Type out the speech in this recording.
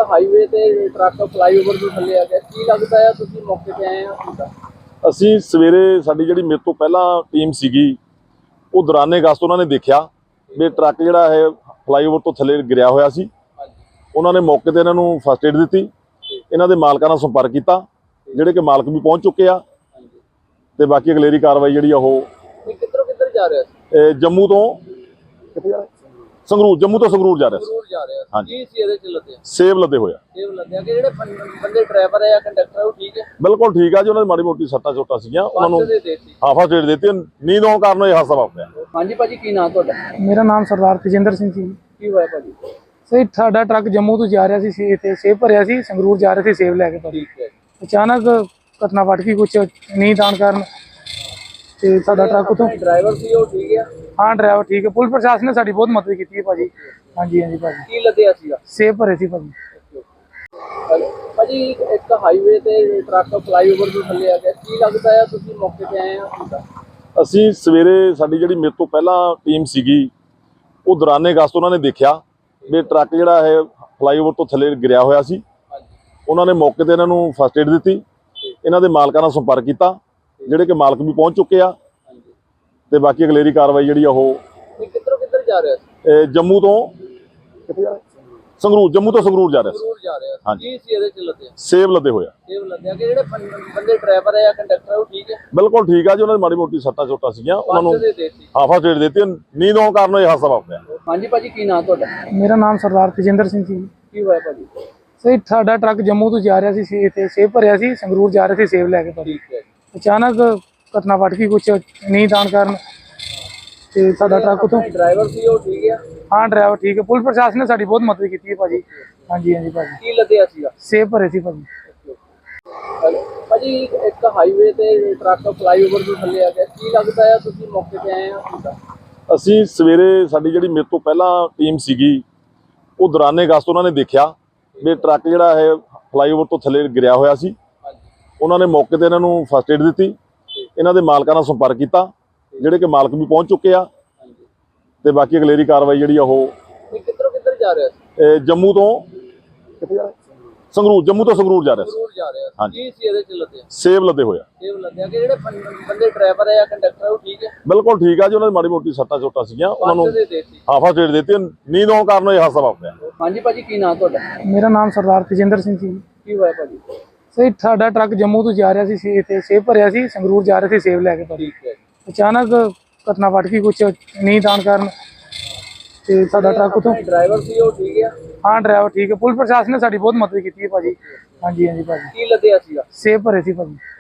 Highway ਤੇ truck flyover ਤੋਂ ਥੱਲੇ ਆ ਗਿਆ, ਕੀ ਲੱਗਦਾ ਹੈ ਤੁਸੀਂ ਮੌਕੇ ਤੇ ਆਏ ਆ? ਅਸੀਂ ਸਵੇਰੇ ਸਾਡੀ ਜਿਹੜੀ ਮੇਰੇ ਤੋਂ ਪਹਿਲਾਂ ਟੀਮ ਸੀਗੀ ਉਹ ਦੌਰਾਨੇ ਗਸ਼ਤ ਉਹਨਾਂ ਨੇ ਦੇਖਿਆ ਵੀ ਟਰੱਕ ਜਿਹੜਾ ਹੈ ਫਲਾਈਓਵਰ ਤੋਂ ਥੱਲੇ ਗਿਰਿਆ ਹੋਇਆ ਸੀ। ਉਹਨਾਂ ਨੇ ਮੌਕੇ ਤੇ ਇਹਨਾਂ ਨੂੰ ਫਸਟ ਏਡ ਦਿੱਤੀ, ਇਹਨਾਂ ਦੇ ਮਾਲਕਾਂ ਨਾਲ ਸੰਪਰਕ ਕੀਤਾ, ਜਿਹੜੇ ਕਿ ਮਾਲਕ ਵੀ ਪਹੁੰਚ ਚੁੱਕੇ ਆ ਤੇ ਬਾਕੀ ਅਗਲੇਰੀ ਕਾਰਵਾਈ ਜਿਹੜੀ ਆ ਉਹ ਕਿੱਧਰ ਜਾ ਰਿਹਾ ਸੀ? ਜੰਮੂ ਤੋਂ ਕਿੱਥੇ ਜਾ ਰਿਹਾ? ਸੰਗਰੂਰ, ਜੰਮੂ ਤੋਂ ਸੰਗਰੂਰ ਜਾ ਰਿਹਾ ਸੀ। ਹਾਂਜੀ, ਕੀ ਸੀ ਇਹਦੇ ਚ ਲੱਦਿਆ? ਸੇਬ ਲੱਦੇ ਹੋਇਆ। ਸੇਬ ਲੱਦਿਆ ਕਿ ਜਿਹੜੇ ਬੰਦੇ ਡਰਾਈਵਰ ਹੈ ਜਾਂ ਕੰਡਕਟਰ ਉਹ ਠੀਕ ਹੈ? ਬਿਲਕੁਲ ਠੀਕ ਆ ਜੀ, ਉਹਨਾਂ ਦੀ ਮਾੜੀ ਮੋਟੀ ਸੱਟਾਂ ਚੋਟਾਂ ਸੀਗੀਆਂ, ਉਹਨਾਂ ਨੂੰ ਫਸਟ ਏਡ ਦਿੱਤੀ। ਨੀਂਦ ਆਉਣ ਕਾਰਨ ਇਹ ਹਾਦਸਾ ਵਾਪਰਿਆ। ਹਾਂਜੀ ਭਾਜੀ, ਕੀ ਨਾਮ ਤੁਹਾਡਾ? ਮੇਰਾ ਨਾਮ ਸਰਦਾਰ ਤੇਜਿੰਦਰ ਸਿੰਘ ਜੀ। ਕੀ ਹੋਇਆ ਭਾਜੀ? ਸਹੀ, ਸਾਡਾ ਟਰੱਕ ਜੰਮੂ ਤੋਂ ਜਾ ਰਿਹਾ ਸੀ ਤੇ ਸੇਬ ਭਰਿਆ ਸੀ, ਸੰਗਰੂਰ ਜਾ ਰਹੇ ਸੀ ਸੇਬ ਲੈ ਕੇ ਭਾਜੀ। ਠੀਕ ਹੈ। ਅਚਾਨਕ ਘਟਨਾ ਵੱਟ ਗਈ, ਕੁਛ ਨੀਂਦ ਆਉਣ ਕਾਰਨ ਤੇ ਸਾਡਾ ਟਰੱਕ ਉਤੋਂ। ਡਰਾਈਵਰ ਸੀ ਉਹ ਠੀਕ ਹੈ? ਹਾਂ, ਡਰਾਈਵਰ ਠੀਕ ਹੈ। ਪੁਲਿਸ ਪ੍ਰਸ਼ਾਸਨ ਨੇ ਸਾਡੀ ਬਹੁਤ ਮਦਦ ਕੀਤੀ ਹੈ ਭਾਜੀ। ਹਾਂਜੀ ਹਾਂਜੀ ਭਾਜੀ। ਕੀ ਲੱਦਿਆ ਸੀਗਾ? ਸੇਬ ਭਰੇ ਸੀ ਭਾਜੀ। ਭਾਜੀ ਇੱਕ ਹਾਈਵੇ ਤੇ ਟਰੱਕ ਫਲਾਈਓਵਰ ਤੋਂ ਥੱਲੇ ਆ ਗਿਆ, ਕੀ ਲੱਗਦਾ ਹੈ ਤੁਸੀਂ ਮੌਕੇ ਤੇ ਆਏ ਆ? ਅਸੀਂ ਸਵੇਰੇ ਸਾਡੀ ਜਿਹੜੀ ਮੇਰੇ ਤੋਂ ਪਹਿਲਾਂ ਟੀਮ ਸੀਗੀ ਉਹ ਦੌਰਾਨੇ ਗਸ਼ਤ ਉਹਨਾਂ ਨੇ ਦੇਖਿਆ ਵੀ ਟਰੱਕ ਜਿਹੜਾ ਹੈ ਫਲਾਈਓਵਰ ਤੋਂ ਥੱਲੇ ਗਿਰਿਆ ਹੋਇਆ ਸੀ। ਉਹਨਾਂ ਨੇ ਮੌਕੇ ਤੇ ਇਹਨਾਂ ਨੂੰ ਫਸਟ ਏਡ ਦਿੱਤੀ, ਇਹਨਾਂ ਦੇ ਮਾਲਕਾਂ ਨਾਲ ਸੰਪਰਕ ਕੀਤਾ, ਜਿਹੜੇ ਕਿ ਮਾਲਕ ਵੀ ਪਹੁੰਚ ਚੁੱਕੇ ਆ ਤੇ ਬਾਕੀ ਅਗਲੇਰੀ ਕਾਰਵਾਈ ਜਿਹੜੀ ਆ ਉਹ ਕਿੱਧਰ ਜਾ ਰਿਹਾ ਸੀ? ਜੰਮੂ ਤੋਂ ਕਿੱਥੇ ਜਾ ਰਿਹਾ? ਸੰਗਰੂਰ, ਜੰਮੂ ਤੋਂ ਸੰਗਰੂਰ ਜਾ ਰਿਹਾ ਸੀ। ਹਾਂਜੀ, ਕੀ ਸੀ ਇਹਦੇ ਚ ਲੱਦਿਆ? ਸੇਬ ਲੱਦੇ ਹੋਇਆ। ਸੇਬ ਲੱਦਿਆ ਕਿ ਜਿਹੜੇ ਬੰਦੇ ਡਰਾਈਵਰ ਹੈ ਜਾਂ ਕੰਡਕਟਰ ਉਹ ਠੀਕ ਹੈ? ਬਿਲਕੁਲ ਠੀਕ ਆ ਜੀ, ਉਹਨਾਂ ਦੀ ਮਾੜੀ ਮੋਟੀ ਸੱਟਾਂ ਚੋਟਾਂ ਸੀਗੀਆਂ, ਉਹਨਾਂ ਨੂੰ ਫਸਟ ਏਡ ਦਿੱਤੀ। ਨੀਂਦ ਆਉਣ ਕਾਰਨ ਇਹ ਹਾਦਸਾ ਵਾਪਰਿਆ। ਹਾਂਜੀ ਭਾਜੀ, ਕੀ ਨਾਮ ਤੁਹਾਡਾ? ਮੇਰਾ ਨਾਮ ਸਰਦਾਰ ਤੇਜਿੰਦਰ ਸਿੰਘ ਜੀ। ਕੀ ਹੋਇਆ ਭਾਜੀ? ਸਹੀ, ਸਾਡਾ ਟਰੱਕ ਜੰਮੂ ਤੋਂ ਜਾ ਰਿਹਾ ਸੀ ਤੇ ਸੇਬ ਭਰਿਆ ਸੀ, ਸੰਗਰੂਰ ਜਾ ਰਹੇ ਸੀ ਸੇਬ ਲੈ ਕੇ ਭਾਜੀ। ਠੀਕ ਹੈ। ਅਚਾਨਕ ਘਟਨਾ ਵੱਟ ਗਈ, ਕੁਛ ਨੀਂਦ ਆਉਣ ਕਾਰਨ ਤੇ ਸਾਡਾ ਟਰੱਕ ਉਤੋਂ। ਡਰਾਈਵਰ ਸੀ ਉਹ ਠੀਕ ਹੈ? ਹਾਂ, ਡਰਾਈਵਰ ਠੀਕ ਹੈ। ਪੁਲਿਸ ਪ੍ਰਸ਼ਾਸਨ ਨੇ ਸਾਡੀ ਬਹੁਤ ਮਦਦ ਕੀਤੀ ਹੈ ਭਾਜੀ। ਹਾਂਜੀ ਹਾਂਜੀ ਭਾਜੀ। ਕੀ ਲੱਦਿਆ ਸੀਗਾ? ਸੇਬ ਭਰੇ ਸੀ ਭਾਜੀ। ਭਾਜੀ ਇੱਕ ਹਾਈਵੇ ਤੇ ਟਰੱਕ ਫਲਾਈਓਵਰ ਤੋਂ ਥੱਲੇ ਆ ਗਿਆ, ਕੀ ਲੱਗਦਾ ਹੈ ਤੁਸੀਂ ਮੌਕੇ ਤੇ ਆਏ ਆ? ਅਸੀਂ ਸਵੇਰੇ ਸਾਡੀ ਜਿਹੜੀ ਮੇਰੇ ਤੋਂ ਪਹਿਲਾਂ ਟੀਮ ਸੀਗੀ ਉਹ ਦੌਰਾਨੇ ਗਸ਼ਤ ਉਹਨਾਂ ਨੇ ਦੇਖਿਆ ਵੀ ਟਰੱਕ ਜਿਹੜਾ ਹੈ ਫਲਾਈਓਵਰ ਤੋਂ ਥੱਲੇ ਗਿਰਿਆ ਹੋਇਆ ਸੀ। ਉਹਨਾਂ ਨੇ ਮੌਕੇ ਤੇ ਇਹਨਾਂ ਨੂੰ ਫਸਟ ਏਡ ਦਿੱਤੀ, ਇਹਨਾਂ ਦੇ ਮਾਲਕਾਂ ਨਾਲ ਸੰਪਰਕ ਕੀਤਾ, ਜਿਹੜੇ ਕਿ ਮਾਲਕ ਵੀ ਪਹੁੰਚ ਚੁੱਕੇ ਆ ਤੇ ਬਾਕੀ ਅਗਲੇਰੀ ਕਾਰਵਾਈ ਜਿਹੜੀ ਆ ਉਹ ਕਿੱਧਰ ਜਾ ਰਿਹਾ ਸੀ? ਜੰਮੂ ਤੋਂ ਕਿੱਥੇ ਜਾ ਰਿਹਾ? ਸੰਗਰੂਰ, ਜੰਮੂ ਤੋਂ ਸੰਗਰੂਰ ਜਾ ਰਿਹਾ ਸੀ। ਹਾਂਜੀ, ਕੀ ਸੀ ਇਹਦੇ ਚ ਲੱਦਿਆ? ਸੇਬ ਲੱਦੇ ਹੋਇਆ। ਸੇਬ ਲੱਦਿਆ ਕਿ ਜਿਹੜੇ ਬੰਦੇ ਡਰਾਈਵਰ ਹੈ ਜਾਂ ਕੰਡਕਟਰ ਉਹ ਠੀਕ ਹੈ? ਬਿਲਕੁਲ ਠੀਕ ਆ ਜੀ, ਉਹਨਾਂ ਦੀ ਮਾੜੀ ਮੋਟੀ ਸੱਟਾਂ ਚੋਟਾਂ ਸੀਗੀਆਂ, ਉਹਨਾਂ ਨੂੰ ਫਸਟ ਏਡ ਦਿੱਤੀ। ਨੀਂਦ ਆਉਣ ਕਾਰਨ ਇਹ ਹਾਦਸਾ ਵਾਪਰਿਆ। ਹਾਂਜੀ ਭਾਜੀ, ਕੀ ਨਾਮ ਤੁਹਾਡਾ? ਮੇਰਾ ਨਾਮ ਸਰਦਾਰ ਤੇਜਿੰਦਰ ਸਿੰਘ ਜੀ। ਕੀ ਹੋਇਆ ਭਾਜੀ? ਸਹੀ, ਸਾਡਾ ਟਰੱਕ ਜੰਮੂ ਤੋਂ ਜਾ ਰਿਹਾ ਸੀ ਤੇ ਸੇਬ ਭਰਿਆ ਸੀ, ਸੰਗਰੂਰ ਜਾ ਰਹੇ ਸੀ ਸੇਬ ਲੈ ਕੇ ਭਾਜੀ। ਠੀਕ ਹੈ। ਅਚਾਨਕ ਘਟਨਾ ਵੱਟ ਗਈ, ਕੁਛ ਨੀਂਦ ਆਉਣ ਕਾਰਨ ਤੇ ਸਾਡਾ ਟਰੱਕ ਉਤੋਂ। ਡਰਾਈਵਰ ਸੀ ਉਹ ਠੀਕ ਹੈ? ਹਾਂ, ਡਰਾਈਵਰ ਠੀਕ ਹੈ। ਪੁਲਿਸ ਪ੍ਰਸ਼ਾਸਨ ਨੇ ਸਾਡੀ ਬਹੁਤ ਮਦਦ ਕੀਤੀ ਹੈ ਭਾਜੀ। ਹਾਂਜੀ ਹਾਂਜੀ ਭਾਜੀ। ਕੀ ਲੱਦਿਆ ਸੀਗਾ? ਸੇਬ ਭਰੇ ਸੀ ਭਾਜੀ।